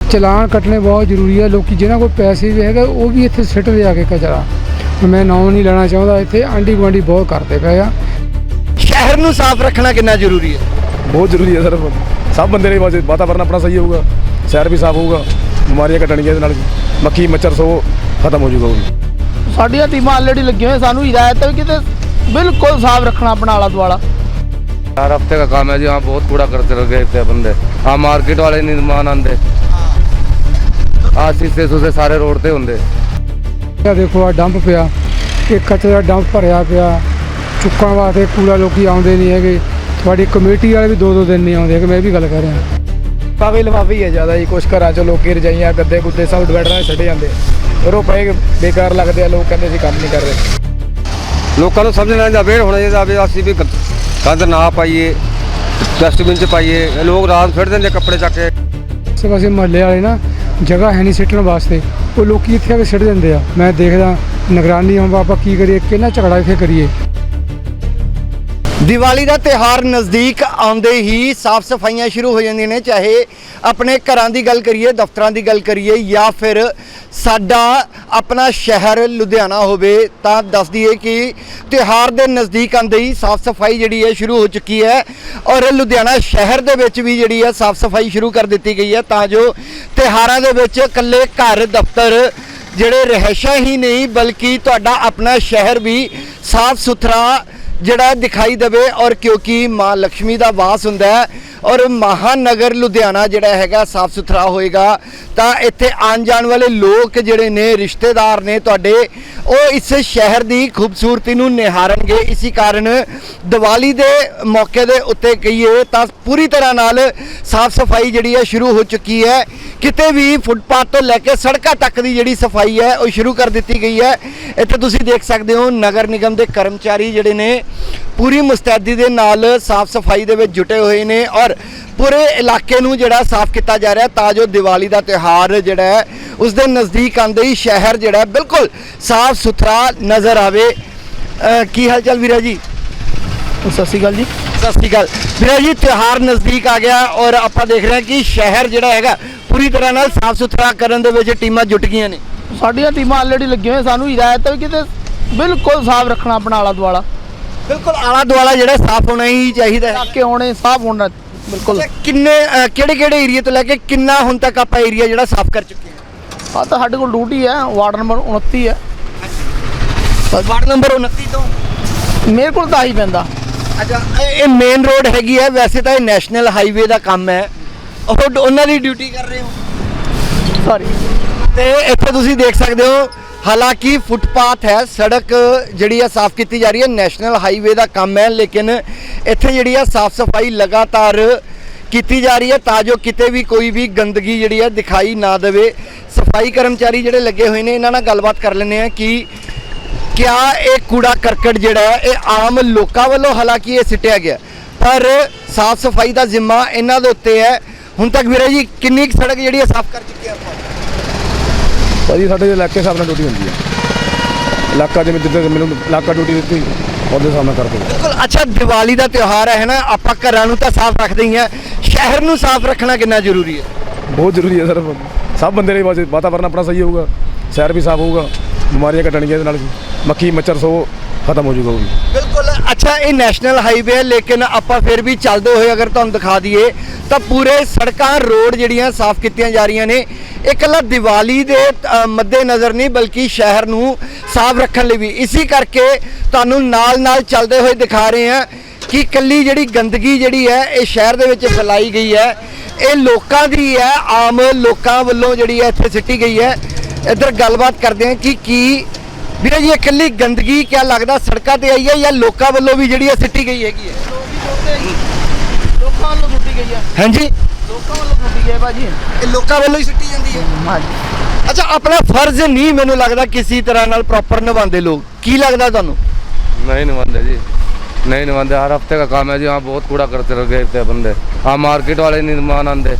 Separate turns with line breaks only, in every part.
ਚਲਾਨ ਕੱਟਣੇ ਬਹੁਤ ਜ਼ਰੂਰੀ ਹੈ। ਲੋਕੀ ਜਿਨ੍ਹਾਂ ਕੋਲ ਪੈਸੇ ਵੀ ਹੈਗਾ ਉਹ ਵੀ ਇੱਥੇ ਸਿੱਟਦੇ ਆ ਕੇ ਕਚਰਾ। ਮੈਂ ਨਾਂ ਨਹੀਂ ਲੈਣਾ ਚਾਹੁੰਦਾ, ਇੱਥੇ ਆਂਢੀ ਗੁਆਂਢੀ ਬਹੁਤ ਕਰਦੇ ਪਏ ਆ।
ਸ਼ਹਿਰ ਨੂੰ ਸਾਫ਼ ਰੱਖਣਾ ਕਿੰਨਾ ਜ਼ਰੂਰੀ ਹੈ?
ਬਹੁਤ ਜ਼ਰੂਰੀ ਹੈ ਸਰ। ਸਭ ਬੰਦੇ ਨੇ ਵਾਤਾਵਰਨ ਆਪਣਾ ਸਹੀ ਹੋਊਗਾ, ਸ਼ਹਿਰ ਵੀ ਸਾਫ਼ ਹੋਊਗਾ, ਬਿਮਾਰੀਆਂ ਘਟਣਗੀਆਂ ਇਹਦੇ ਨਾਲ, ਮੱਖੀ ਮੱਛਰ ਸੋ ਖਤਮ ਹੋ ਜਾਊਗਾ। ਉਹ ਵੀ
ਸਾਡੀਆਂ ਟੀਮਾਂ ਆਲਰੇਡੀ ਲੱਗੀਆਂ ਹੋਈਆਂ, ਸਾਨੂੰ ਹਿਦਾਇਤ ਹੈ कि बिल्कुल साफ रखना अपना आला दुआला।
हर हफ्ते का काम है जी। हाँ, बहुत कूड़ा करते रह गए थे बंदे। हाँ, मार्केट वाले निर्माण आंदे, शीशे सूसे सारे रोड ते होंगे।
देखो आ डंप पिया, एक कचरा डंप भरिया पिया, चुक्कण वास्ते कूड़ा लोग आउंदे नहीं है। थोड़ी कमेटी वाले भी 2-2 दिन नहीं आउंदे। मैं भी गल कर रहा
ਲਿਫਾਫੇ ਲਿਫਾਫੇ ਹੈ ਜ਼ਿਆਦਾ ਜੀ। ਕੁਛ ਘਰਾਂ 'ਚ ਲੋਕੀ ਰਜਾਈਆਂ ਗੱਦੇ ਗੁੱਦੇ ਸਭ ਡਿਵਾਈਡਰਾਂ 'ਚ ਛੱਡੇ ਜਾਂਦੇ, ਫਿਰ ਉਹ ਪਏ ਬੇਕਾਰ ਲੱਗਦੇ ਆ। ਲੋਕ ਕਹਿੰਦੇ ਅਸੀਂ ਕੰਮ ਨਹੀਂ ਕਰ ਰਹੇ।
लोगों को समझना अवेयर होना चाहिए। असं भी गंद ना पाइए, डस्टबिन च पाइए। लोग रात फिर देंगे कपड़े चक के।
आसे पासे महल्ले वाले ना जगह है नहीं सिੱਟਣ वास्ते, वो लोग ਇੱਥੇ ਆ ਕੇ ਸਿੱਟ ਦਿੰਦੇ ਆ। मैं देखदा निगरानी हम ਆਪਾਂ ਕੀ ਕਰੀਏ, ਕਿੰਨਾ ਝਗੜਾ ਇੱਥੇ ਕਰੀਏ।
ਦੀਵਾਲੀ ਦਾ ਤਿਉਹਾਰ ਨਜ਼ਦੀਕ ਆਉਂਦੇ ਹੀ ਸਾਫ਼ ਸਫਾਈਆਂ ਸ਼ੁਰੂ ਹੋ ਜਾਂਦੀਆਂ ਨੇ। ਚਾਹੇ ਆਪਣੇ ਘਰਾਂ ਦੀ ਗੱਲ ਕਰੀਏ, ਦਫ਼ਤਰਾਂ ਦੀ ਗੱਲ ਕਰੀਏ, ਜਾਂ ਫਿਰ ਸਾਡਾ ਆਪਣਾ ਸ਼ਹਿਰ ਲੁਧਿਆਣਾ ਹੋਵੇ, ਤਾਂ ਦੱਸ ਦਈਏ ਕਿ ਤਿਉਹਾਰ ਦੇ ਨਜ਼ਦੀਕ ਆਉਂਦੇ ਹੀ ਸਾਫ਼ ਸਫਾਈ ਜਿਹੜੀ ਹੈ ਸ਼ੁਰੂ ਹੋ ਚੁੱਕੀ ਹੈ। ਔਰ ਲੁਧਿਆਣਾ ਸ਼ਹਿਰ ਦੇ ਵਿੱਚ ਵੀ ਜਿਹੜੀ ਹੈ ਸਾਫ਼ ਸਫਾਈ ਸ਼ੁਰੂ ਕਰ ਦਿੱਤੀ ਗਈ ਹੈ, ਤਾਂ ਜੋ ਤਿਉਹਾਰਾਂ ਦੇ ਵਿੱਚ ਇਕੱਲੇ ਘਰ ਦਫ਼ਤਰ ਜਿਹੜੇ ਰਹਿਸ਼ਾਂ ਹੀ ਨਹੀਂ, ਬਲਕਿ ਤੁਹਾਡਾ ਆਪਣਾ ਸ਼ਹਿਰ ਵੀ ਸਾਫ਼ ਸੁਥਰਾ ਜਿਹੜਾ ਦਿਖਾਈ ਦੇਵੇ। ਔਰ ਕਿਉਂਕਿ ਮਾਂ ਲక్ష్ਮੀ ਦਾ ਵਾਸ ਹੁੰਦਾ ਹੈ ਔਰ ਮਹਾਨਗਰ ਲੁਧਿਆਣਾ ਜਿਹੜਾ ਹੈਗਾ ਸਾਫ਼ ਸੁਥਰਾ ਹੋਏਗਾ, ਤਾਂ ਇੱਥੇ ਆਉਣ ਜਾਣ ਵਾਲੇ ਲੋਕ ਜਿਹੜੇ ਨੇ, ਰਿਸ਼ਤੇਦਾਰ ਨੇ ਤੁਹਾਡੇ, ਉਹ ਇਸ ਸ਼ਹਿਰ ਦੀ ਖੂਬਸੂਰਤੀ ਨੂੰ ਨਿਹਾਰਨਗੇ। ਇਸੇ ਕਾਰਨ ਦੀਵਾਲੀ ਦੇ ਮੌਕੇ ਦੇ ਉੱਤੇ ਕਹੀਏ ਤਾਂ ਪੂਰੀ ਤਰ੍ਹਾਂ ਨਾਲ ਸਾਫ਼ ਸਫਾਈ ਜਿਹੜੀ ਹੈ ਸ਼ੁਰੂ ਹੋ ਚੁੱਕੀ ਹੈ। ਕਿਤੇ ਵੀ ਫੁੱਟਪਾਥ ਤੋਂ ਲੈ ਕੇ ਸੜਕਾਂ ਤੱਕ ਦੀ ਜਿਹੜੀ ਸਫਾਈ ਹੈ ਉਹ ਸ਼ੁਰੂ ਕਰ ਦਿੱਤੀ ਗਈ ਹੈ। ਇੱਥੇ ਤੁਸੀਂ ਦੇਖ ਸਕਦੇ ਹੋ ਨਗਰ ਨਿਗਮ ਦੇ ਕਰਮਚਾਰੀ ਜਿਹੜੇ ਨੇ ਪੂਰੀ ਮੁਸਤੈਦੀ ਦੇ ਨਾਲ ਸਾਫ਼ ਸਫਾਈ ਦੇ ਵਿੱਚ ਜੁਟੇ ਹੋਏ ਨੇ ਔਰ ਪੂਰੇ ਇਲਾਕੇ ਨੂੰ ਜਿਹੜਾ ਸਾਫ਼ ਕੀਤਾ ਜਾ ਰਿਹਾ, ਤਾਂ ਜੋ ਦੀਵਾਲੀ ਦਾ ਤਿਉਹਾਰ ਜਿਹੜਾ ਹੈ ਉਸ ਦੇ ਨਜ਼ਦੀਕ ਆਉਂਦੇ ਹੀ ਸ਼ਹਿਰ ਜਿਹੜਾ ਬਿਲਕੁਲ ਸਾਫ਼ ਸੁਥਰਾ ਨਜ਼ਰ ਆਵੇ। ਕੀ ਹਾਲ ਚਾਲ ਵੀਰਾ ਜੀ?
ਸਤਿ ਸ਼੍ਰੀ ਅਕਾਲ ਜੀ।
ਸਤਿ ਸ਼੍ਰੀ ਅਕਾਲ ਵੀਰਾ ਜੀ। ਤਿਉਹਾਰ ਨਜ਼ਦੀਕ ਆ ਗਿਆ ਔਰ ਆਪਾਂ ਦੇਖ ਰਹੇ ਹਾਂ ਕਿ ਸ਼ਹਿਰ ਜਿਹੜਾ ਹੈਗਾ ਪੂਰੀ ਤਰ੍ਹਾਂ ਨਾਲ ਸਾਫ਼ ਸੁਥਰਾ ਕਰਨ ਦੇ ਵਿੱਚ ਟੀਮਾਂ ਜੁਟ ਗਈਆਂ ਨੇ।
ਸਾਡੀਆਂ ਟੀਮਾਂ ਆਲਰੇਡੀ ਲੱਗੀਆਂ ਹੋਈਆਂ, ਸਾਨੂੰ ਹਿਦਾਇਤ ਹੈ कि बिल्कुल साफ रखना अपना आला दुआला।
ਬਿਲਕੁਲ ਆਲਾ ਦੁਆਲਾ ਜਿਹੜਾ ਸਾਫ਼ ਹੋਣਾ ਹੀ ਚਾਹੀਦਾ ਹੈ।
ਇਲਾਕੇ ਹੋਣੇ ਸਾਫ ਹੋਣਾ ਬਿਲकुल।
ਕਿੰਨੇ ਕਿਹੜੇ ਏਰੀਆ ਤੋਂ ਲੈ ਕੇ ਕਿੰਨਾ ਹੁਣ ਤੱਕ ਆਪਾਂ ਏਰੀਆ ਜਿਹੜਾ ਸਾਫ਼ ਕਰ ਚੁੱਕੇ ਹਾਂ?
ਆ ਤਾਂ ਸਾਡੇ ਕੋਲ ਡਿਊਟੀ ਹੈ, ਵਾਰਡ ਨੰਬਰ 29 ਹੈ।
ਵਾਰਡ ਨੰਬਰ 29 ਤੋਂ
ਮੇਰੇ ਕੋਲ ਤਾਂ ਹੀ ਪੈਂਦਾ।
ਅੱਛਾ, ਇਹ ਮੇਨ ਰੋਡ ਹੈਗੀ ਹੈ। ਵੈਸੇ ਤਾਂ ਇਹ ਨੈਸ਼ਨਲ ਹਾਈਵੇ ਦਾ ਕੰਮ ਹੈ, ਉਹਨਾਂ ਦੀ ਡਿਊਟੀ ਕਰ ਰਹੇ ਹੋ।
ਸੌਰੀ।
ਤੇ ਇੱਥੇ ਤੁਸੀਂ ਦੇਖ ਸਕਦੇ ਹੋ, ਹਾਲਾਂਕਿ ਫੁੱਟਪਾਥ ਹੈ, ਸੜਕ ਜਿਹੜੀ ਹੈ ਸਾਫ਼ ਕੀਤੀ ਜਾ ਰਹੀ ਹੈ, ਨੈਸ਼ਨਲ ਹਾਈਵੇ ਦਾ ਕੰਮ ਹੈ, ਲੇਕਿਨ ਇੱਥੇ ਜਿਹੜੀ ਹੈ ਸਾਫ਼ ਸਫਾਈ ਲਗਾਤਾਰ ਕੀਤੀ ਜਾ ਰਹੀ ਹੈ ਤਾਂ ਜੋ ਕਿਤੇ ਵੀ ਕੋਈ ਵੀ ਗੰਦਗੀ ਜਿਹੜੀ ਹੈ ਦਿਖਾਈ ਨਾ ਦੇਵੇ। ਸਫਾਈ ਕਰਮਚਾਰੀ ਜਿਹੜੇ ਲੱਗੇ ਹੋਏ ਨੇ, ਇਹਨਾਂ ਨਾਲ ਗੱਲਬਾਤ ਕਰ ਲੈਂਦੇ ਆ ਕਿ ਕਿਆ ਇਹ ਕੂੜਾ ਕਰਕਟ ਜਿਹੜਾ ਹੈ ਇਹ ਆਮ ਲੋਕਾਂ ਵੱਲੋਂ ਹਾਲਾਂਕਿ ਇਹ ਸਿੱਟਿਆ ਗਿਆ, ਪਰ ਸਾਫ਼ ਸਫਾਈ ਦਾ ਜ਼ਿੰਮਾ ਇਹਨਾਂ ਦੇ ਉੱਤੇ ਹੈ। ਹੁਣ ਤੱਕ ਵੀਰੇ ਜੀ ਕਿੰਨੀ ਕੁ ਸੜਕ ਜਿਹੜੀ ਹੈ ਸਾਫ਼ ਕਰ ਚੁੱਕੇ ਆਪਾਂ?
ਭਾਜੀ ਸਾਡੇ ਇਲਾਕੇ ਹਿਸਾਬ ਨਾਲ ਡਿਊਟੀ ਹੁੰਦੀ ਹੈ। ਇਲਾਕਾ ਜਿਵੇਂ ਜਿੱਦਾਂ ਮੈਨੂੰ ਇਲਾਕਾ ਡਿਊਟੀ ਦਿੱਤੀ ਉਹਦੇ ਸਾਹਮਣੇ ਕਰਦੇ।
ਬਿਲਕੁਲ। ਅੱਛਾ, ਦੀਵਾਲੀ ਦਾ ਤਿਉਹਾਰ ਹੈ ਨਾ, ਆਪਾਂ ਘਰਾਂ ਨੂੰ ਤਾਂ ਸਾਫ਼ ਰੱਖਦੇ ਹੀ ਹਾਂ, ਸ਼ਹਿਰ ਨੂੰ ਸਾਫ਼ ਰੱਖਣਾ ਕਿੰਨਾ ਜ਼ਰੂਰੀ ਹੈ?
ਬਹੁਤ ਜ਼ਰੂਰੀ ਹੈ ਸਰ। ਸਭ ਬੰਦੇ ਨੇ ਵਾਤਾਵਰਨ ਆਪਣਾ ਸਹੀ ਹੋਊਗਾ, ਸ਼ਹਿਰ ਵੀ ਸਾਫ਼ ਹੋਊਗਾ, ਬਿਮਾਰੀਆਂ ਘਟਣਗੀਆਂ ਇਹਦੇ ਨਾਲ, ਮੱਖੀ ਮੱਛਰ ਸੋ ਖਤਮ ਹੋ ਜਾਊਗਾ। ਉਹ ਵੀ
ਬਿਲਕੁਲ। ਅੱਛਾ, ਇਹ ਨੈਸ਼ਨਲ ਹਾਈਵੇ ਹੈ, ਲੇਕਿਨ ਆਪਾਂ ਫਿਰ ਵੀ ਚੱਲਦੇ ਹੋਏ ਅਗਰ ਤੁਹਾਨੂੰ ਦਿਖਾ ਦਈਏ ਤਾਂ ਪੂਰੇ ਸੜਕਾਂ ਰੋਡ ਜਿਹੜੀਆਂ ਸਾਫ਼ ਕੀਤੀਆਂ ਜਾ ਰਹੀਆਂ ਨੇ। ਇਹ ਇਕੱਲਾ ਦੀਵਾਲੀ ਦੇ ਮੱਦੇ ਨਜ਼ਰ ਨਹੀਂ, ਬਲਕਿ ਸ਼ਹਿਰ ਨੂੰ ਸਾਫ਼ ਰੱਖਣ ਲਈ ਵੀ। ਇਸੇ ਕਰਕੇ ਤੁਹਾਨੂੰ ਨਾਲ ਚੱਲਦੇ ਹੋਏ ਦਿਖਾ ਰਹੇ ਹਾਂ ਕਿ ਇਕੱਲੀ ਜਿਹੜੀ ਗੰਦਗੀ ਜਿਹੜੀ ਹੈ ਇਹ ਸ਼ਹਿਰ ਦੇ ਵਿੱਚ ਫੈਲਾਈ ਗਈ ਹੈ, ਇਹ ਲੋਕਾਂ ਦੀ ਹੈ, ਆਮ ਲੋਕਾਂ ਵੱਲੋਂ ਜਿਹੜੀ ਹੈ ਇੱਥੇ ਸਿੱਟੀ ਗਈ ਹੈ। ਇੱਧਰ ਗੱਲਬਾਤ ਕਰਦੇ ਹਾਂ ਕਿ ਕੀ ਵੀਰੇ ਜੀ ਇਹ ਇਕੱਲੀ ਗੰਦਗੀ ਕਿਆ ਲੱਗਦਾ ਸੜਕਾਂ ਤੇ ਆਈ ਹੈ ਜਾਂ ਲੋਕਾਂ ਵੱਲੋਂ ਵੀ ਜਿਹੜੀ ਹੈ ਸਿੱਟੀ ਗਈ ਹੈਗੀ ਹੈ?
ਲੋਕਾਂ ਵੱਲੋਂ ਸੁੱਟੀ ਗਈ ਹੈ।
ਹਾਂਜੀ,
ਲੋਕਾਂ ਵੱਲੋਂ ਸੁੱਟੀ ਗਈ ਹੈ ਭਾਜੀ।
ਇਹ ਲੋਕਾਂ ਵੱਲੋਂ ਹੀ ਸਿੱਟੀ ਜਾਂਦੀ ਹੈ।
ਹਾਂਜੀ।
ਅੱਛਾ, ਆਪਣਾ ਫਰਜ਼ ਨਹੀਂ ਮੈਨੂੰ ਲੱਗਦਾ ਕਿਸੇ ਤਰ੍ਹਾਂ ਨਾਲ ਪ੍ਰੋਪਰ ਨਿਭਾਉਂਦੇ ਲੋਕ, ਕੀ ਲੱਗਦਾ ਤੁਹਾਨੂੰ?
नहीं निभाते जी, नहीं निभाते। हर हफ्ते का काम है जी। हाँ, बहुत कूड़ा करते रह गए थे बंदे। हाँ, मार्केट वाले निर्माण आंदे,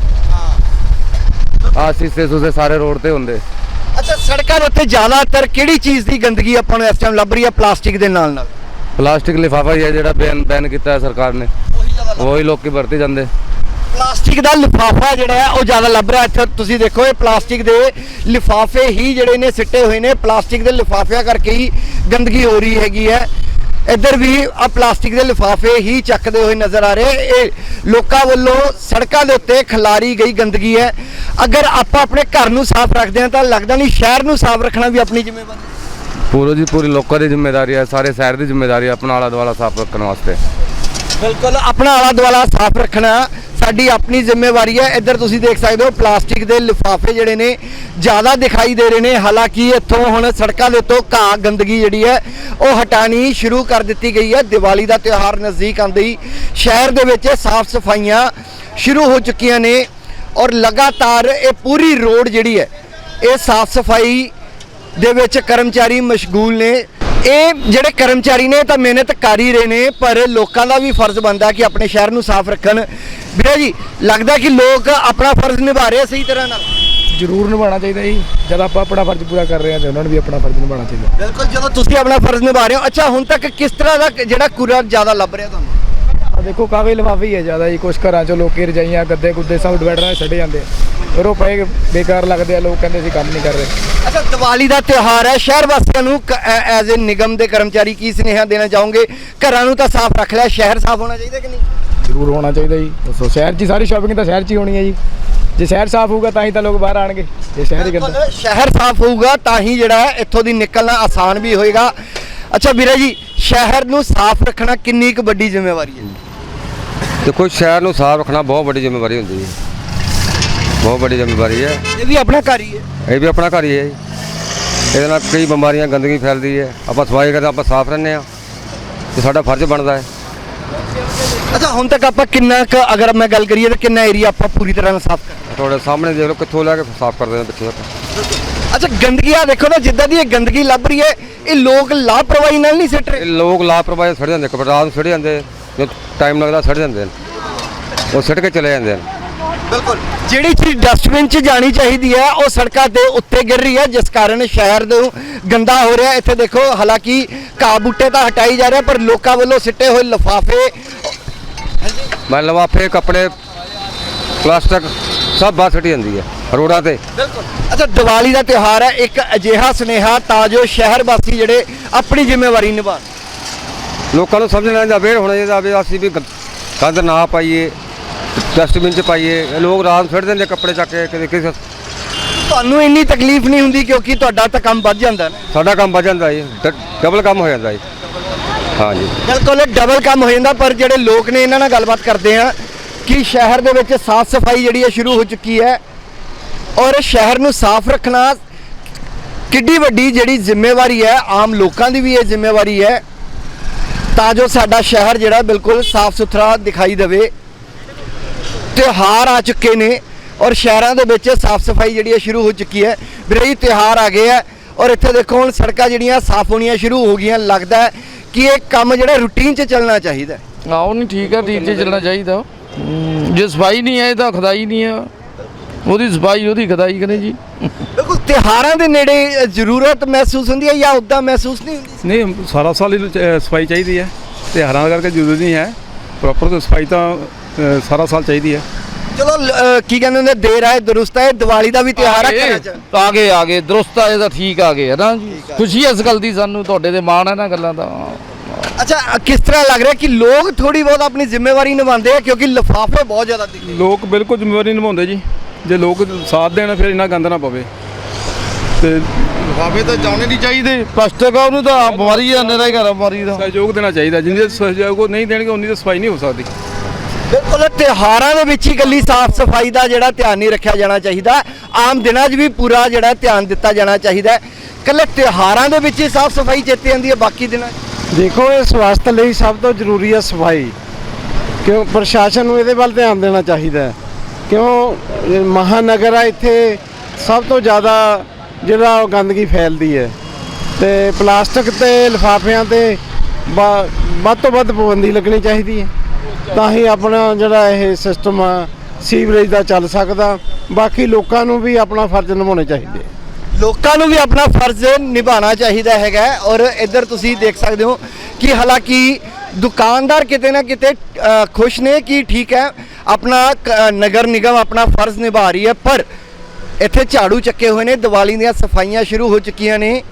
शीशे सूसे सारे रोड ते होंगे।
ਅੱਛਾ, ਸੜਕਾਂ ਦੇ ਉੱਤੇ ਜ਼ਿਆਦਾਤਰ ਕਿਹੜੀ ਚੀਜ਼ ਦੀ ਗੰਦਗੀ ਆਪਾਂ ਨੂੰ ਇਸ ਟਾਈਮ ਲੱਭ ਰਹੀ ਹੈ? ਪਲਾਸਟਿਕ ਦੇ ਨਾਲ
प्लास्टिक लिफाफा ही है जो बैन किया है सरकार ने, वही लोग की भरती जाते।
ਪਲਾਸਟਿਕ ਦਾ ਲਿਫਾਫਾ ਜਿਹੜਾ ਹੈ ਉਹ ਜ਼ਿਆਦਾ ਲੱਭ ਰਿਹਾ ਇੱਥੇ ਤੁਸੀਂ ਦੇਖੋ ਇਹ ਪਲਾਸਟਿਕ ਦੇ ਲਿਫਾਫੇ ਹੀ ਜਿਹੜੇ ਨੇ ਸਿੱਟੇ ਹੋਏ ਨੇ ਪਲਾਸਟਿਕ ਦੇ ਲਿਫਾਫਿਆਂ ਕਰਕੇ ਹੀ ਗੰਦਗੀ ਹੋ ਰਹੀ ਹੈਗੀ ਹੈ ਇੱਧਰ ਵੀ ਆ ਪਲਾਸਟਿਕ ਦੇ ਲਿਫਾਫੇ ਹੀ ਚੱਕਦੇ ਹੋਏ ਨਜ਼ਰ ਆ ਰਹੇ ਇਹ ਲੋਕਾਂ ਵੱਲੋਂ ਸੜਕਾਂ ਦੇ ਉੱਤੇ ਖਿਲਾਰੀ ਗਈ ਗੰਦਗੀ ਹੈ ਅਗਰ ਆਪਾਂ ਆਪਣੇ ਘਰ ਨੂੰ ਸਾਫ਼ ਰੱਖਦੇ ਹਾਂ ਤਾਂ ਲੱਗਦਾ ਨਹੀਂ ਸ਼ਹਿਰ ਨੂੰ ਸਾਫ਼ ਰੱਖਣਾ ਵੀ ਆਪਣੀ ਜ਼ਿੰਮੇਵਾਰੀ
ਪੂਰੀ ਜੀ ਪੂਰੀ ਲੋਕਾਂ ਦੀ ਜ਼ਿੰਮੇਵਾਰੀ ਹੈ ਸਾਰੇ ਸ਼ਹਿਰ ਦੀ ਜ਼ਿੰਮੇਵਾਰੀ ਹੈ ਆਪਣਾ ਆਲਾ ਦੁਆਲਾ ਸਾਫ਼ ਰੱਖਣ ਵਾਸਤੇ
ਬਿਲਕੁਲ ਆਪਣਾ ਆਲਾ ਦੁਆਲਾ ਸਾਫ਼ ਰੱਖਣਾ ਸਾਡੀ ਆਪਣੀ ਜ਼ਿੰਮੇਵਾਰੀ ਹੈ ਇੱਧਰ ਤੁਸੀਂ ਦੇਖ ਸਕਦੇ ਹੋ ਪਲਾਸਟਿਕ ਦੇ ਲਿਫਾਫੇ ਜਿਹੜੇ ਨੇ ਜ਼ਿਆਦਾ ਦਿਖਾਈ ਦੇ ਰਹੇ ਨੇ ਹਾਲਾਂਕਿ ਇੱਥੋਂ ਹੁਣ ਸੜਕਾਂ ਦੇ ਉੱਤੋਂ ਘਾਹ ਗੰਦਗੀ ਜਿਹੜੀ ਹੈ ਉਹ ਹਟਾਣੀ ਸ਼ੁਰੂ ਕਰ ਦਿੱਤੀ ਗਈ ਹੈ ਦੀਵਾਲੀ ਦਾ ਤਿਉਹਾਰ ਨਜ਼ਦੀਕ ਆਉਂਦੇ ਹੀ ਸ਼ਹਿਰ ਦੇ ਵਿੱਚ ਸਾਫ਼ ਸਫਾਈਆਂ ਸ਼ੁਰੂ ਹੋ ਚੁੱਕੀਆਂ ਨੇ ਔਰ ਲਗਾਤਾਰ ਇਹ ਪੂਰੀ ਰੋਡ ਜਿਹੜੀ ਹੈ ਇਹ ਸਾਫ਼ ਸਫਾਈ ਦੇ ਵਿੱਚ ਕਰਮਚਾਰੀ ਮਸ਼ਗੂਲ ਨੇ ਇਹ ਜਿਹੜੇ ਕਰਮਚਾਰੀ ਨੇ ਤਾਂ ਮਿਹਨਤ ਕਰ ਹੀ ਰਹੇ ਨੇ ਪਰ ਲੋਕਾਂ ਦਾ ਵੀ ਫਰਜ਼ ਬਣਦਾ ਕਿ ਆਪਣੇ ਸ਼ਹਿਰ ਨੂੰ ਸਾਫ਼ ਰੱਖਣ ਵੀਰੇ ਜੀ ਲੱਗਦਾ ਕਿ ਲੋਕ ਆਪਣਾ ਫਰਜ਼ ਨਿਭਾ ਰਹੇ ਸਹੀ ਤਰ੍ਹਾਂ ਨਾਲ
ਜ਼ਰੂਰ ਨਿਭਾਉਣਾ ਚਾਹੀਦਾ ਜੀ ਜਦ ਆਪਾਂ ਆਪਣਾ ਫਰਜ਼ ਪੂਰਾ ਕਰ ਰਹੇ ਹਾਂ ਤੇ ਉਹਨਾਂ ਨੂੰ ਵੀ ਆਪਣਾ ਫਰਜ਼ ਨਿਭਾਉਣਾ ਚਾਹੀਦਾ
ਬਿਲਕੁਲ ਜਦੋਂ ਤੁਸੀਂ ਆਪਣਾ ਫਰਜ਼ ਨਿਭਾ ਰਹੇ ਹੋ ਅੱਛਾ ਹੁਣ ਤੱਕ ਕਿਸ ਤਰ੍ਹਾਂ ਦਾ ਜਿਹੜਾ ਕੂੜਾ ਜ਼ਿਆਦਾ ਲੱਭ ਰਿਹਾ ਤੁਹਾਨੂੰ
ਆ ਦੇਖੋ ਕਾਗਜ਼ ਲਿਫਾਫੇ ਹੀ ਹੈ ਜ਼ਿਆਦਾ ਜੀ ਕੁਛ ਘਰਾਂ 'ਚੋਂ ਲੋਕੀ ਰਜਾਈਆਂ ਗੱਦੇ ਗੁੱਦੇ ਸਭ ਡਿਵਾਈਡਰਾਂ 'ਚ ਛੱਡੇ ਜਾਂਦੇ ਫਿਰ ਉਹ ਪਏ ਬੇਕਾਰ ਲੱਗਦੇ ਆ ਲੋਕ ਕਹਿੰਦੇ ਅਸੀਂ ਕੰਮ ਨਹੀਂ ਕਰ ਰਹੇ
ਅੱਛਾ ਦੀਵਾਲੀ ਦਾ ਤਿਉਹਾਰ ਹੈ ਸ਼ਹਿਰ ਵਾਸੀਆਂ ਨੂੰ ਐਜ਼ ਏ ਨਿਗਮ ਦੇ ਕਰਮਚਾਰੀ ਕੀ ਸੁਨੇਹਾ ਦੇਣਾ ਚਾਹੋਗੇ ਘਰਾਂ ਨੂੰ ਤਾਂ ਸਾਫ਼ ਰੱਖ ਲਿਆ ਸ਼ਹਿਰ ਸਾਫ਼ ਹੋਣਾ ਚਾਹੀਦਾ ਕਿ ਨਹੀਂ
ਜ਼ਰੂਰ ਹੋਣਾ ਚਾਹੀਦਾ ਜੀ ਦੱਸੋ ਸ਼ਹਿਰ 'ਚ ਹੀ ਸਾਰੀ ਸ਼ਾਪਿੰਗ ਤਾਂ ਸ਼ਹਿਰ 'ਚ ਹੀ ਹੋਣੀ ਹੈ ਜੀ ਜੇ ਸ਼ਹਿਰ ਸਾਫ਼ ਹੋਊਗਾ ਤਾਂ ਹੀ ਤਾਂ ਲੋਕ ਬਾਹਰ ਆਣਗੇ ਜੇ ਸ਼ਹਿਰ ਹੀ ਗੰਦਾ
ਸ਼ਹਿਰ ਸਾਫ਼ ਹੋਊਗਾ ਤਾਂ ਹੀ ਜਿਹੜਾ ਹੈ ਇੱਥੋਂ ਦੀ ਨਿਕਲਣਾ ਆਸਾਨ ਵੀ ਹੋਏਗਾ ਅੱਛਾ ਵੀਰੇ ਜੀ ਸ਼ਹਿਰ ਨੂੰ ਸਾਫ਼ ਰੱਖਣਾ ਕਿੰਨੀ ਕੁ ਵੱਡੀ ਜ਼ਿੰਮੇਵਾਰੀ ਹੈ
ਦੇਖੋ ਸ਼ਹਿਰ ਨੂੰ ਸਾਫ਼ ਰੱਖਣਾ ਬਹੁਤ ਵੱਡੀ ਜ਼ਿੰਮੇਵਾਰੀ ਹੁੰਦੀ ਹੈ ਬਹੁਤ ਵੱਡੀ ਜ਼ਿੰਮੇਵਾਰੀ ਹੈ
ਇਹ ਵੀ ਆਪਣਾ ਘਰ ਹੀ ਹੈ
ਇਹ ਵੀ ਆਪਣਾ ਘਰ ਹੀ ਹੈ ਜੀ ਇਹਦੇ ਨਾਲ ਕਈ ਬਿਮਾਰੀਆਂ ਗੰਦਗੀ ਫੈਲਦੀ ਹੈ ਆਪਾਂ ਸਫਾਈ ਕਰਦੇ ਆਪਾਂ ਸਾਫ਼ ਰਹਿੰਦੇ ਹਾਂ ਤੇ ਸਾਡਾ ਫਰਜ਼ ਬਣਦਾ ਹੈ
ਅੱਛਾ ਹੁਣ ਤੱਕ ਆਪਾਂ ਕਿੰਨਾ ਕੁ ਅਗਰ ਮੈਂ ਗੱਲ ਕਰੀਏ ਤਾਂ ਕਿੰਨਾ ਏਰੀਆ ਆਪਾਂ ਪੂਰੀ ਤਰ੍ਹਾਂ ਨਾਲ ਸਾਫ਼ ਕਰ
ਤੁਹਾਡੇ ਸਾਹਮਣੇ ਦੇਖ ਲਓ ਕਿੱਥੋਂ ਲੈ ਕੇ ਸਾਫ਼ ਕਰਦੇ ਨੇ ਪਿੱਛੇ ਤੱਕ
ਅੱਛਾ ਗੰਦਗੀ ਆ ਦੇਖੋ ਨਾ ਜਿੱਦਾਂ ਦੀ ਇਹ ਗੰਦਗੀ ਲੱਭ ਰਹੀ ਹੈ ਇਹ ਲੋਕ ਲਾਪਰਵਾਹੀ ਨਾਲ ਨਹੀਂ ਸਿੱਟ ਰਹੇ
ਇਹ ਲੋਕ ਲਾਪਰਵਾਹੀ ਸੜ ਜਾਂਦੇ ਰਾਤ ਨੂੰ ਸੜ ਜਾਂਦੇ ਜੋ ਟਾਈਮ ਲੱਗਦਾ ਸੜ ਜਾਂਦੇ ਨੇ ਉਹ ਸੜ ਕੇ ਚਲੇ ਜਾਂਦੇ ਨੇ
ਬਿਲਕੁਲ ਜਿਹੜੀ ਚੀਜ਼ ਡਸਟਬਿਨ 'ਚ ਜਾਣੀ ਚਾਹੀਦੀ ਹੈ ਉਹ ਸੜਕਾਂ ਦੇ ਉੱਤੇ ਗਿਰ ਰਹੀ ਹੈ ਜਿਸ ਕਾਰਨ ਸ਼ਹਿਰ ਨੂੰ ਗੰਦਾ ਹੋ ਰਿਹਾ ਇੱਥੇ ਦੇਖੋ ਹਾਲਾਂਕਿ ਘਾਹ ਬੂਟੇ ਤਾਂ ਹਟਾਈ ਜਾ ਰਿਹਾ ਪਰ ਲੋਕਾਂ ਵੱਲੋਂ ਸਿੱਟੇ ਹੋਏ ਲਿਫਾਫੇ
ਮੈਂ ਲਿਫਾਫੇ ਕੱਪੜੇ ਪਲਾਸਟਿਕ ਸਭ ਬਾਹਰ ਸਿੱਟੀ ਜਾਂਦੀ ਹੈ ਰੋਡਾਂ ਤੇ
ਬਿਲਕੁਲ ਅੱਛਾ ਦੀਵਾਲੀ ਦਾ ਤਿਉਹਾਰ ਹੈ ਇੱਕ ਅਜਿਹਾ ਸੁਨੇਹਾ ਤਾਂ ਜੋ ਸ਼ਹਿਰ ਵਾਸੀ ਜਿਹੜੇ ਆਪਣੀ ਜ਼ਿੰਮੇਵਾਰੀ ਨਿਭਾਉਣ
ਲੋਕਾਂ ਨੂੰ ਸਮਝਣਾ ਚਾਹੀਦਾ ਅਵੇਅਰ ਹੋਣਾ ਚਾਹੀਦਾ ਵੀ ਅਸੀਂ ਵੀ ਗੰਦ ਨਾ ਪਾਈਏ ਡਸਟਬਿਨ 'ਚ ਪਾਈਏ ਇਹ ਲੋਕ ਰਾਤ ਨੂੰ ਸੁੱਟ ਦਿੰਦੇ ਕੱਪੜੇ ਚੱਕ ਕੇ ਕਿਸੇ
ਤੁਹਾਨੂੰ ਇੰਨੀ ਤਕਲੀਫ ਨਹੀਂ ਹੁੰਦੀ ਕਿਉਂਕਿ ਤੁਹਾਡਾ ਤਾਂ ਕੰਮ ਵੱਧ ਜਾਂਦਾ ਨਾ
ਸਾਡਾ ਕੰਮ ਵੱਧ ਜਾਂਦਾ ਜੀ ਡਬਲ ਕੰਮ ਹੋ ਜਾਂਦਾ ਜੀ ਹਾਂਜੀ
ਬਿਲਕੁਲ ਡਬਲ ਕੰਮ ਹੋ ਜਾਂਦਾ ਪਰ ਜਿਹੜੇ ਲੋਕ ਨੇ ਇਹਨਾਂ ਨਾਲ ਗੱਲਬਾਤ ਕਰਦੇ ਆ ਕਿ ਸ਼ਹਿਰ ਦੇ ਵਿੱਚ ਸਾਫ਼ ਸਫਾਈ ਜਿਹੜੀ ਹੈ ਸ਼ੁਰੂ ਹੋ ਚੁੱਕੀ ਹੈ ਔਰ ਸ਼ਹਿਰ ਨੂੰ ਸਾਫ਼ ਰੱਖਣਾ ਕਿੱਡੀ ਵੱਡੀ ਜਿਹੜੀ ਜ਼ਿੰਮੇਵਾਰੀ ਹੈ ਆਮ ਲੋਕਾਂ ਦੀ ਵੀ ਇਹ ਜ਼ਿੰਮੇਵਾਰੀ ਹੈ ਤਾਂ ਜੋ ਸਾਡਾ ਸ਼ਹਿਰ ਜਿਹੜਾ ਬਿਲਕੁਲ ਸਾਫ਼ ਸੁਥਰਾ ਦਿਖਾਈ ਦੇਵੇ ਤਿਉਹਾਰ ਆ ਚੁੱਕੇ ਨੇ ਔਰ ਸ਼ਹਿਰਾਂ ਦੇ ਵਿੱਚ ਸਾਫ਼ ਸਫਾਈ ਜਿਹੜੀ ਹੈ ਸ਼ੁਰੂ ਹੋ ਚੁੱਕੀ ਹੈ ਵੀਰੇ ਜੀ ਤਿਉਹਾਰ ਆ ਗਏ ਆ ਔਰ ਇੱਥੇ ਦੇਖੋ ਹੁਣ ਸੜਕਾਂ ਜਿਹੜੀਆਂ ਸਾਫ਼ ਹੋਣੀਆਂ ਸ਼ੁਰੂ ਹੋ ਗਈਆਂ ਲੱਗਦਾ ਹੈ ਕਿ ਇਹ ਕੰਮ ਜਿਹੜਾ ਰੂਟੀਨ 'ਚ ਚੱਲਣਾ ਚਾਹੀਦਾ
ਆਓ ਨਹੀਂ ਠੀਕ ਹੈ ਠੀਕ 'ਚ ਚੱਲਣਾ ਚਾਹੀਦਾ ਜੇ ਸਫਾਈ ਨਹੀਂ ਹੈ ਤਾਂ ਖੁਦਾਈ ਨਹੀਂ ਹੈ ਉਹਦੀ ਸਫਾਈ ਉਹਦੀ ਖੁਦਾਈ ਕਰੇ ਜੀ
ਬਿਲਕੁਲ ਤਿਉਹਾਰਾਂ ਦੇ ਨੇੜੇ ਜ਼ਰੂਰਤ ਮਹਿਸੂਸ ਹੁੰਦੀ ਹੈ ਜਾਂ ਉੱਦਾਂ ਮਹਿਸੂਸ ਨਹੀਂ ਹੁੰਦੀ
ਨਹੀਂ ਸਾਰਾ ਸਾਲ ਹੀ ਸਫਾਈ ਚਾਹੀਦੀ ਹੈ ਤਿਉਹਾਰਾਂ ਕਰਕੇ ਜ਼ਰੂਰੀ ਨਹੀਂ ਹੈ ਪ੍ਰੋਪਰ ਸਫਾਈ ਤਾਂ ਸਾਰਾ ਸਾਲ ਚਾਹੀਦੀ ਹੈ
ਚਲੋ ਕੀ ਕਹਿੰਦੇ ਹੁੰਦੇ ਦੇਰ ਆਏ ਦਰੁਸਤ ਆਏ ਦੀਵਾਲੀ ਦਾ ਵੀ ਤਿਉਹਾਰ ਹੈ ਘਰਾਂ 'ਚ
ਆ ਗਏ ਦਰੁਸਤ ਆਏ ਤਾਂ ਠੀਕ ਆ ਗਏ ਹੈ ਨਾ ਜੀ ਖੁਸ਼ੀ ਇਸ ਗੱਲ ਦੀ ਸਾਨੂੰ ਤੁਹਾਡੇ ਤੇ ਮਾਣ ਹੈ ਨਾ ਗੱਲਾਂ ਦਾ
ਅੱਛਾ ਕਿਸ ਤਰ੍ਹਾਂ ਲੱਗ ਰਿਹਾ ਕਿ ਲੋਕ ਥੋੜੀ ਬਹੁਤ ਆਪਣੀ ਜ਼ਿੰਮੇਵਾਰੀ ਨਿਭਾਉਂਦੇ ਆ ਕਿਉਂਕਿ ਲਿਫਾਫੇ ਬਹੁਤ ਜ਼ਿਆਦਾ ਦਿਖਦੇ
ਲੋਕ ਬਿਲਕੁਲ ਜ਼ਿੰਮੇਵਾਰੀ ਨਿਭਾਉਂਦੇ ਜੀ ਜੇ ਲੋਕ ਸਾਥ ਦੇਣ ਫਿਰ ਇੰਨਾ ਗੰਦ ਨਾ ਪਵੇ ਤੇ
ਲਿਫਾਫੇ ਤਾਂ ਜਾਣੇ ਨਹੀਂ ਚਾਹੀਦੇ ਪਲਾਸਟਿਕ ਆ ਉਹਨੂੰ ਤਾਂ ਬਿਮਾਰੀ ਆ ਨੇਰਾ ਹੀ ਘਰ ਬਿਮਾਰੀ ਦਾ
ਸਹਿਯੋਗ ਦੇਣਾ ਚਾਹੀਦਾ ਜਿੰਨੇ ਸਹਿਯੋਗ ਨਹੀਂ ਦੇਣਗੇ ਉਨੀ ਤਾਂ ਸਫਾਈ ਨਹੀਂ ਹੋ ਸਕਦੀ
ਬਿਲਕੁਲ ਤਿਉਹਾਰਾਂ ਦੇ ਵਿੱਚ ਹੀ ਇਕੱਲੀ ਸਾਫ਼ ਸਫਾਈ ਦਾ ਜਿਹੜਾ ਧਿਆਨ ਨਹੀਂ ਰੱਖਿਆ ਜਾਣਾ ਚਾਹੀਦਾ ਆਮ ਦਿਨਾਂ 'ਚ ਵੀ ਪੂਰਾ ਜਿਹੜਾ ਧਿਆਨ ਦਿੱਤਾ ਜਾਣਾ ਚਾਹੀਦਾ ਇਕੱਲੇ ਤਿਉਹਾਰਾਂ ਦੇ ਵਿੱਚ ਹੀ ਸਾਫ਼ ਸਫਾਈ ਚੇਤੇ ਆਉਂਦੀ ਹੈ ਬਾਕੀ ਦਿਨਾਂ 'ਚ
ਦੇਖੋ ਇਸ ਵਾਸਤੇ ਲਈ ਸਭ ਤੋਂ ਜ਼ਰੂਰੀ ਹੈ ਸਫਾਈ ਕਿਉਂ ਪ੍ਰਸ਼ਾਸਨ ਨੂੰ ਇਹਦੇ ਵੱਲ ਧਿਆਨ ਦੇਣਾ ਚਾਹੀਦਾ ਹੈ ਕਿਉਂ ਮਹਾਨਗਰ ਆ ਇੱਥੇ ਸਭ ਤੋਂ ਜ਼ਿਆਦਾ ਜਿਹੜਾ ਉਹ ਗੰਦਗੀ ਫੈਲਦੀ ਹੈ ਤੇ ਪਲਾਸਟਿਕ ਤੇ ਲਿਫਾਫਿਆਂ ਤੇ ਵੱਧ ਤੋਂ ਵੱਧ ਪਾਬੰਦੀ ਲੱਗਣੀ ਚਾਹੀਦੀ ਹੈ ਤਾਂ ਹੀ ਆਪਣਾ ਜਿਹੜਾ ਇਹ ਸਿਸਟਮ ਆ ਸੀਵਰੇਜ ਦਾ ਚੱਲ ਸਕਦਾ ਬਾਕੀ ਲੋਕਾਂ ਨੂੰ ਵੀ ਆਪਣਾ ਫਰਜ਼ ਨਿਭਾਉਣੇ ਚਾਹੀਦੇ
ਲੋਕਾਂ ਨੂੰ ਵੀ ਆਪਣਾ ਫਰਜ਼ ਨਿਭਾਉਣਾ ਚਾਹੀਦਾ ਹੈਗਾ ਔਰ ਇੱਧਰ ਤੁਸੀਂ ਦੇਖ ਸਕਦੇ ਹੋ ਕਿ ਹਾਲਾਂਕਿ ਦੁਕਾਨਦਾਰ ਕਿਤੇ ਨਾ ਕਿਤੇ ਖੁਸ਼ ਨੇ ਕਿ ਠੀਕ ਹੈ ਆਪਣਾ ਨਗਰ ਨਿਗਮ ਆਪਣਾ ਫਰਜ਼ ਨਿਭਾ ਰਹੀ ਹੈ, ਪਰ ਇੱਥੇ ਝਾੜੂ ਚੱਕੇ ਹੋਏ ਨੇ, ਦੀਵਾਲੀ ਦੀਆਂ ਸਫਾਈਆਂ ਸ਼ੁਰੂ ਹੋ ਚੁੱਕੀਆਂ ਨੇ,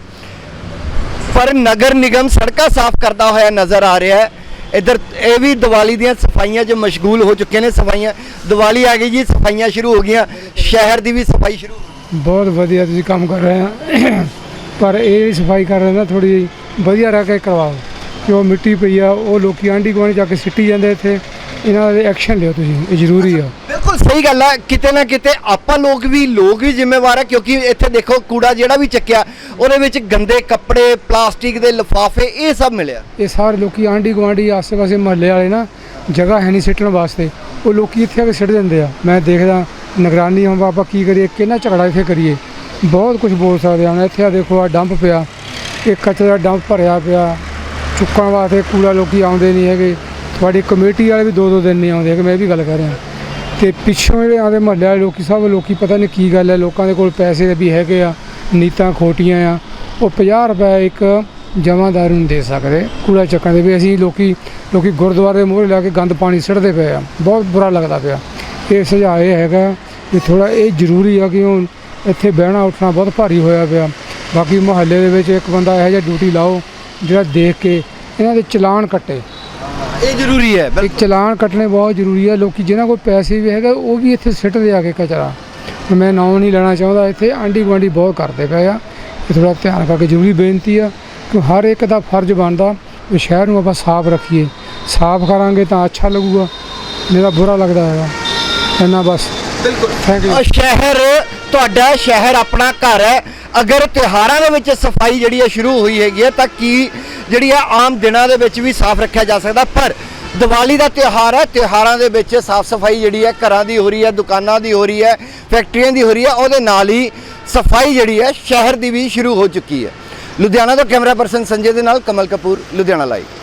ਪਰ ਨਗਰ ਨਿਗਮ ਸੜਕਾਂ ਸਾਫ਼ ਕਰਦਾ ਹੋਇਆ ਨਜ਼ਰ ਆ ਰਿਹਾ ਹੈ। ਇੱਧਰ ਇਹ ਵੀ ਦੀਵਾਲੀ ਦੀਆਂ ਸਫਾਈਆਂ 'ਚ ਮਸ਼ਗੂਲ ਹੋ ਚੁੱਕੇ ਨੇ। ਸਫਾਈਆਂ, ਦੀਵਾਲੀ ਆ ਗਈ ਜੀ, ਸਫਾਈਆਂ ਸ਼ੁਰੂ ਹੋ ਗਈਆਂ, ਸ਼ਹਿਰ ਦੀ ਵੀ ਸਫਾਈ ਸ਼ੁਰੂ ਹੋ ਗਈ।
ਬਹੁਤ ਵਧੀਆ ਤੁਸੀਂ ਕੰਮ ਕਰ ਰਹੇ ਆ, ਪਰ ਇਹ ਸਫਾਈ ਕਰ ਰਹੇ ਨਾ ਥੋੜੀ ਵਧੀਆ ਰਹਿ ਕੇ ਕਰਵਾਓ, ਕਿ ਉਹ ਮਿੱਟੀ ਪਈ ਆ ਉਹ ਲੋਕੀ ਆਂਢੀ ਗੁਆਂਢੀ ਜਾ ਕੇ ਸਿੱਟੀ ਜਾਂਦੇ ਇੱਥੇ, ਇਹਨਾਂ ਦੇ ਐਕਸ਼ਨ ਲਿਓ ਤੁਸੀਂ, ਇਹ ਜ਼ਰੂਰੀ ਆ।
ਬਿਲਕੁਲ ਸਹੀ ਗੱਲ ਹੈ, ਕਿਤੇ ਨਾ ਕਿਤੇ ਆਪਾਂ ਲੋਕ ਵੀ ਜ਼ਿੰਮੇਵਾਰ ਆ, ਕਿਉਂਕਿ ਇੱਥੇ ਦੇਖੋ ਕੂੜਾ ਜਿਹੜਾ ਵੀ ਚੱਕਿਆ ਉਹਦੇ ਵਿੱਚ ਗੰਦੇ ਕੱਪੜੇ, ਪਲਾਸਟਿਕ ਦੇ ਲਿਫਾਫੇ, ਇਹ ਸਭ ਮਿਲਿਆ।
ਇਹ ਸਾਰੇ ਲੋਕੀ ਆਂਢੀ ਗੁਆਂਢੀ ਆਸੇ-ਪਾਸੇ ਮਹੱਲੇ ਵਾਲੇ ਨਾ ਜਗ੍ਹਾ ਹੈ ਨਹੀਂ ਸਿੱਟਣ ਵਾਸਤੇ, ਉਹ ਲੋਕੀ ਇੱਥੇ ਆ ਕੇ ਸਿੱਟ ਦਿੰਦੇ ਆ। ਮੈਂ ਦੇਖਦਾ ਨਿਗਰਾਨੀ ਹੁਣ ਆਪਾਂ ਕੀ ਕਰੀਏ, ਕਿੰਨਾ ਝਗੜਾ ਇੱਥੇ ਕਰੀਏ, ਬਹੁਤ ਕੁਝ ਬੋਲ ਸਕਦੇ ਹਾਂ। ਹੁਣ ਇੱਥੇ ਆ ਦੇਖੋ, ਆ ਡੰਪ ਪਿਆ, ਇਹ ਕਚਰੇ ਦਾ ਡੰਪ ਭਰਿਆ ਪਿਆ, ਚੁੱਕਣ ਵਾਸਤੇ ਕੂੜਾ ਲੋਕੀ ਆਉਂਦੇ ਨਹੀਂ ਹੈਗੇ। ਤੁਹਾਡੀ ਕਮੇਟੀ ਵਾਲੇ ਵੀ 2-2 ਦਿਨ ਨਹੀਂ ਆਉਂਦੇ ਹੈਗੇ, ਮੈਂ ਇਹ ਵੀ ਗੱਲ ਕਰ ਰਿਹਾ। ਤੇ ਪਿੱਛੋਂ ਜਿਹੜੇ ਆਉਂਦੇ ਮਹੱਲੇ ਵਾਲੇ ਲੋਕੀ, ਸਭ ਲੋਕੀ ਪਤਾ ਨਹੀਂ ਕੀ ਗੱਲ ਹੈ, ਲੋਕਾਂ ਦੇ ਕੋਲ ਪੈਸੇ ਵੀ ਹੈਗੇ ਆ, ਨੀਤਾਂ ਖੋਟੀਆਂ ਆ, ਉਹ 50 ਰੁਪਏ ਇੱਕ ਜਮਾਦਾਰ ਨੂੰ ਦੇ ਸਕਦੇ ਕੂੜਾ ਚੱਕਣ ਦੇ। ਵੀ ਅਸੀਂ ਲੋਕੀ ਗੁਰਦੁਆਰੇ ਦੇ ਮੂਹਰੇ ਲਾ ਕੇ ਗੰਦ ਪਾਣੀ ਸਿੱਟਦੇ ਪਏ ਆ, ਬਹੁਤ ਬੁਰਾ ਲੱਗਦਾ ਪਿਆ। ਇਹ ਸੁਝਾਅ ਇਹ ਹੈਗਾ ਵੀ ਥੋੜ੍ਹਾ ਇਹ ਜ਼ਰੂਰੀ ਆ ਕਿ ਹੁਣ ਇੱਥੇ ਬਹਿਣਾ ਉੱਠਣਾ ਬਹੁਤ ਭਾਰੀ ਹੋਇਆ ਪਿਆ। ਬਾਕੀ ਮੁਹੱਲੇ ਦੇ ਵਿੱਚ ਇੱਕ ਬੰਦਾ ਇਹੋ ਜਿਹਾ ਡਿਊਟੀ ਲਾਓ ਜਿਹੜਾ ਦੇਖ ਕੇ ਇਹਨਾਂ ਦੇ ਚਲਾਨ ਕੱਟੇ,
ਇਹ ਜ਼ਰੂਰੀ ਹੈ।
ਇੱਕ ਚਲਾਨ ਕੱਟਣੇ ਬਹੁਤ ਜ਼ਰੂਰੀ ਹੈ। ਲੋਕੀ ਜਿਨ੍ਹਾਂ ਕੋਲ ਪੈਸੇ ਵੀ ਹੈਗਾ ਉਹ ਵੀ ਇੱਥੇ ਸਿੱਟਦੇ ਆ ਕੇ ਕਚਰਾ। ਮੈਂ ਨਾਮ ਨਹੀਂ ਲੈਣਾ ਚਾਹੁੰਦਾ, ਇੱਥੇ ਆਂਢੀ ਗੁਆਂਢੀ ਬਹੁਤ ਕਰਦੇ ਪਏ ਆ, ਇਹ ਥੋੜ੍ਹਾ ਧਿਆਨ ਕਰਕੇ ਜ਼ਰੂਰੀ ਬੇਨਤੀ ਆ ਕਿ ਹਰ ਇੱਕ ਦਾ ਫਰਜ਼ ਬਣਦਾ ਵੀ ਸ਼ਹਿਰ ਨੂੰ ਆਪਾਂ ਸਾਫ਼ ਰੱਖੀਏ। ਸਾਫ਼ ਕਰਾਂਗੇ ਤਾਂ ਅੱਛਾ ਲੱਗੂਗਾ, ਨਹੀਂ ਤਾਂ ਬੁਰਾ ਲੱਗਦਾ ਹੈਗਾ। ਇੰਨਾ ਬਸ।
ਬਿਲਕੁਲ
ਥੈਂਕ ਯੂ।
ਸ਼ਹਿਰ ਤੁਹਾਡਾ, ਸ਼ਹਿਰ ਆਪਣਾ ਘਰ ਹੈ। ਅਗਰ ਤਿਉਹਾਰਾਂ ਦੇ ਵਿੱਚ ਸਫਾਈ ਜਿਹੜੀ ਹੈ ਸ਼ੁਰੂ ਹੋਈ ਹੈਗੀ ਹੈ ਤਾਂ ਕੀ ਜਿਹੜੀ ਆ ਆਮ ਦਿਨਾਂ ਦੇ ਵਿੱਚ ਵੀ ਸਾਫ਼ ਰੱਖਿਆ ਜਾ ਸਕਦਾ, ਪਰ ਦੀਵਾਲੀ ਦਾ ਤਿਉਹਾਰ ਹੈ, ਤਿਉਹਾਰਾਂ ਦੇ ਵਿੱਚ ਸਾਫ਼ ਸਫਾਈ ਜਿਹੜੀ ਹੈ ਘਰਾਂ ਦੀ ਹੋ ਰਹੀ ਹੈ, ਦੁਕਾਨਾਂ ਦੀ ਹੋ ਰਹੀ ਹੈ, ਫੈਕਟਰੀਆਂ ਦੀ ਹੋ ਰਹੀ ਹੈ, ਉਹਦੇ ਨਾਲ ਹੀ ਸਫਾਈ ਜਿਹੜੀ ਹੈ ਸ਼ਹਿਰ ਦੀ ਵੀ ਸ਼ੁਰੂ ਹੋ ਚੁੱਕੀ ਹੈ। ਲੁਧਿਆਣਾ ਤੋਂ ਕੈਮਰਾ ਪਰਸਨ ਸੰਜੇ ਦੇ ਨਾਲ ਕਮਲ ਕਪੂਰ, ਲੁਧਿਆਣਾ ਲਾਈਵ।